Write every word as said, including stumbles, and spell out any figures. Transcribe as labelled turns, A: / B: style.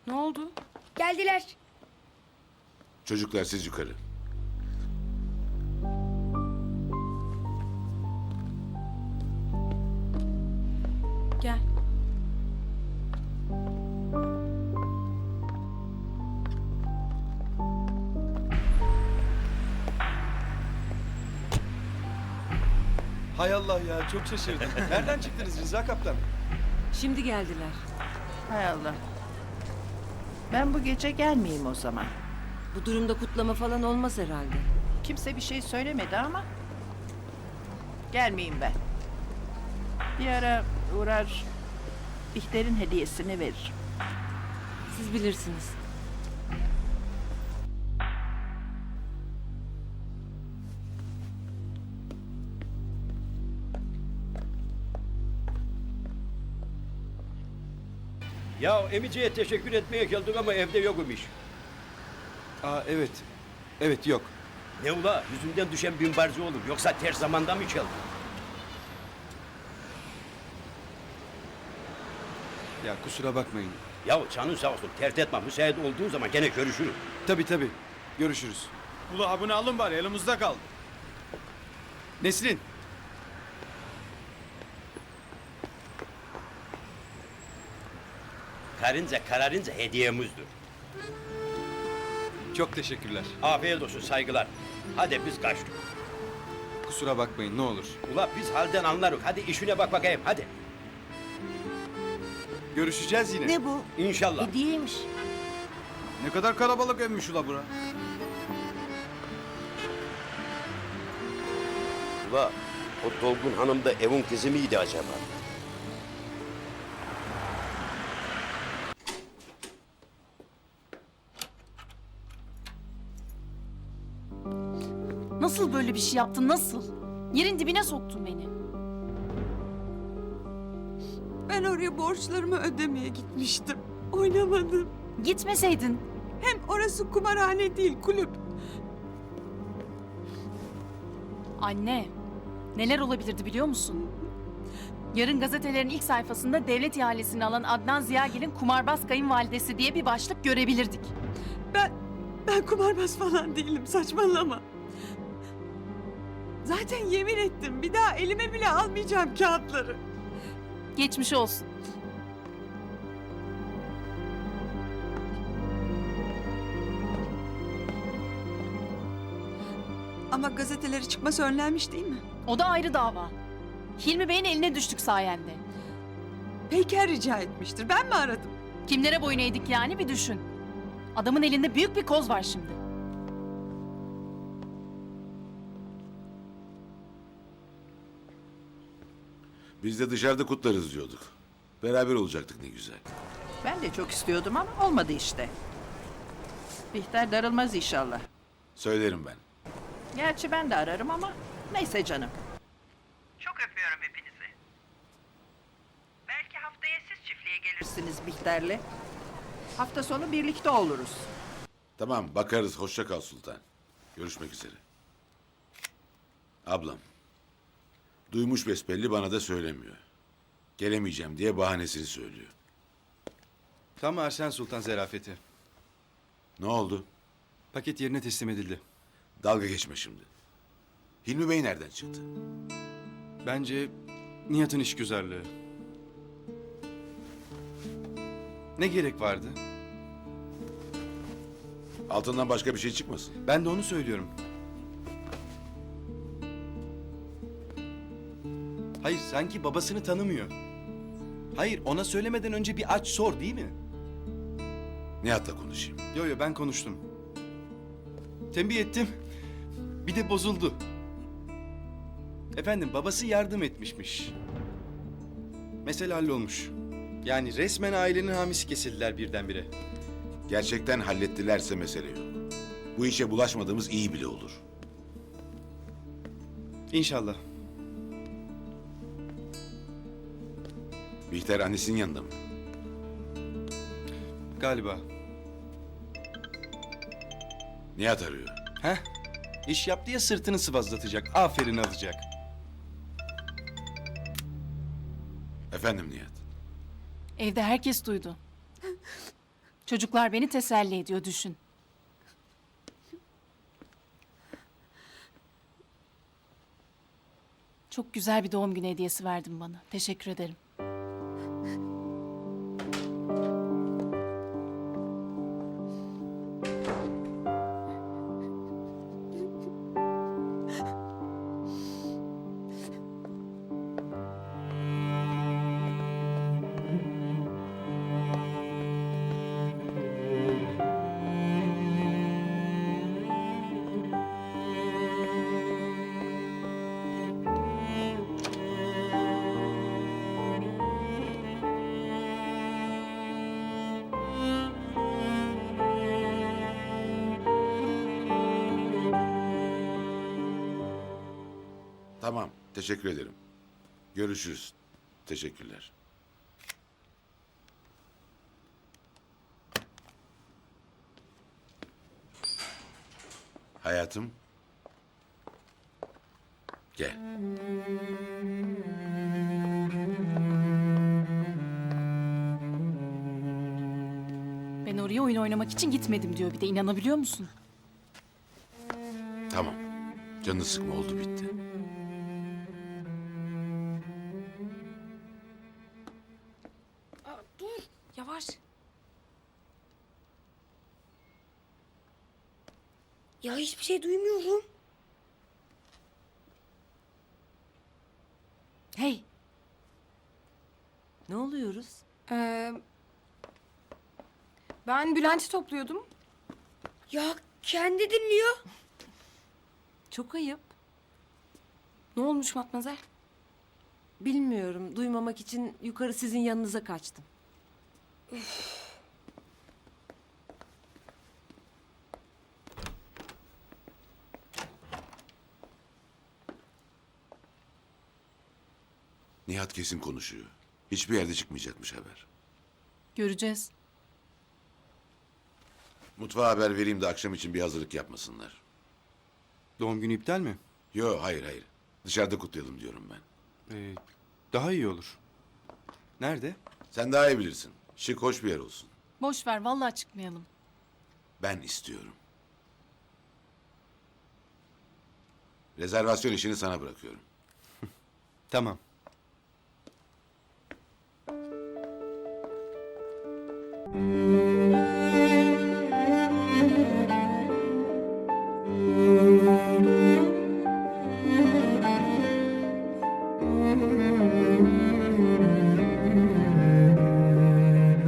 A: Ne oldu?
B: Geldiler.
C: Çocuklar siz yukarı.
A: Gel.
D: Hay Allah ya, çok şaşırdım. Nereden çıktınız Rıza Kaptan?
A: Şimdi geldiler.
E: Hay Allah. Ben bu gece gelmeyeyim o zaman.
A: Bu durumda kutlama falan olmaz herhalde.
E: Kimse bir şey söylemedi ama... Gelmeyeyim ben. Bir ara uğrar... Bihter'in hediyesini veririm.
A: Siz bilirsiniz.
F: Ya emiciye teşekkür etmeye geldik ama evde yok imiş.
D: Aa evet. Evet yok.
F: Ne ula yüzünden düşen binbarzı olur yoksa ters zamanda mı çaldı?
D: Ya kusura bakmayın.
F: Ya canın sağ olsun tert etme müsait olduğun zaman gene görüşürüz.
D: Tabii tabii. Görüşürüz.
G: Ula abone alın bari elimizde kaldı.
D: Nesrin.
F: Karınca kararınca hediyemizdir.
D: Çok teşekkürler.
F: Afiyet olsun saygılar. Hadi biz kaçtık.
D: Kusura bakmayın ne olur.
F: Ula biz halden anlarız. Hadi işine bak bakayım hadi.
D: Görüşeceğiz yine.
E: Ne bu?
F: İnşallah.
E: Hediyeymiş.
G: Ne kadar kalabalık emmiş ula bura.
F: Ula o Dolgun Hanım da evin kızı mıydı acaba?
H: Nasıl böyle bir şey yaptın, nasıl? Yerin dibine soktun beni.
I: Ben oraya borçlarımı ödemeye gitmiştim. Oynamadım.
H: Gitmeseydin.
I: Hem orası kumarhane değil, kulüp.
H: Anne, neler olabilirdi biliyor musun? Yarın gazetelerin ilk sayfasında devlet ihalesini alan Adnan Ziyagil'in kumarbaz kayınvalidesi diye bir başlık görebilirdik.
I: Ben, ben kumarbaz falan değilim, saçmalama. Zaten yemin ettim, bir daha elime bile almayacağım kağıtları.
H: Geçmiş olsun.
I: Ama gazeteleri çıkması önlenmiş değil mi?
H: O da ayrı dava. Hilmi Bey'in eline düştük sayende.
I: Peyker rica etmiştir, ben mi aradım?
H: Kimlere boyun eğdik yani bir düşün. Adamın elinde büyük bir koz var şimdi.
C: Biz de dışarıda kutlarız diyorduk. Beraber olacaktık ne güzel.
E: Ben de çok istiyordum ama olmadı işte. Bihter darılmaz inşallah.
C: Söylerim ben.
E: Gerçi ben de ararım ama neyse canım. Çok öpüyorum hepinizi. Belki haftaya siz çiftliğe gelirsiniz Bihter'le. Hafta sonu birlikte oluruz.
C: Tamam bakarız. Hoşça kal Sultan. Görüşmek üzere. Ablam. Duymuş besbelli bana da söylemiyor. Gelemeyeceğim diye bahanesini söylüyor.
D: Tam Arsen Sultan zerafeti.
C: Ne oldu?
D: Paket yerine teslim edildi.
C: Dalga geçme şimdi. Hilmi Bey nereden çıktı?
D: Bence Nihat'ın işgüzarlığı. Ne gerek vardı?
C: Altından başka bir şey çıkmasın.
D: Ben de onu söylüyorum. Hayır, sanki babasını tanımıyor. Hayır, ona söylemeden önce bir aç sor değil mi?
C: Nihat'la konuşayım.
D: Yo yo, ben konuştum. Tembih ettim. Bir de bozuldu. Efendim, babası yardım etmişmiş. Mesele hallolmuş. Yani resmen ailenin hamisi kesildiler birdenbire.
C: Gerçekten hallettilerse mesele yok. Bu işe bulaşmadığımız iyi bile olur.
D: İnşallah.
C: Bihter annesinin yanında mı?
D: Galiba.
C: Nihat arıyor.
D: Heh. İş yaptı ya sırtını sıvazlatacak. Aferin alacak.
C: Efendim Nihat.
H: Evde herkes duydu. Çocuklar beni teselli ediyor, düşün. Çok güzel bir doğum günü hediyesi verdin bana. Teşekkür ederim.
C: Tamam, teşekkür ederim. Görüşürüz. Teşekkürler. Hayatım. Gel.
H: Ben oraya oyun oynamak için gitmedim diyor bir de, inanabiliyor musun?
C: Tamam. Canını sıkma, oldu bitti.
A: Dur, yavaş.
B: Ya hiçbir şey duymuyorum.
H: Hey,
A: Ne oluyoruz?
B: Ee, ben Bülent'i topluyordum. Ya kendi dinliyor.
A: Çok ayıp.
B: Ne olmuş Matmazel?
A: Bilmiyorum, duymamak için yukarı sizin yanınıza kaçtım.
C: Nihat kesin konuşuyor. Hiçbir yerde çıkmayacakmış haber.
H: göreceğiz.
C: Mutfağa haber vereyim de akşam için bir hazırlık yapmasınlar.
D: Doğum günü iptal mi?
C: Yo, hayır hayır. Dışarıda kutlayalım diyorum ben.
D: Ee, daha iyi olur. Nerede?
C: Sen daha iyi bilirsin. Şık, hoş bir yer olsun.
H: Boş ver, vallahi çıkmayalım.
C: Ben istiyorum. Rezervasyon işini sana bırakıyorum.
D: Tamam.
C: Müzik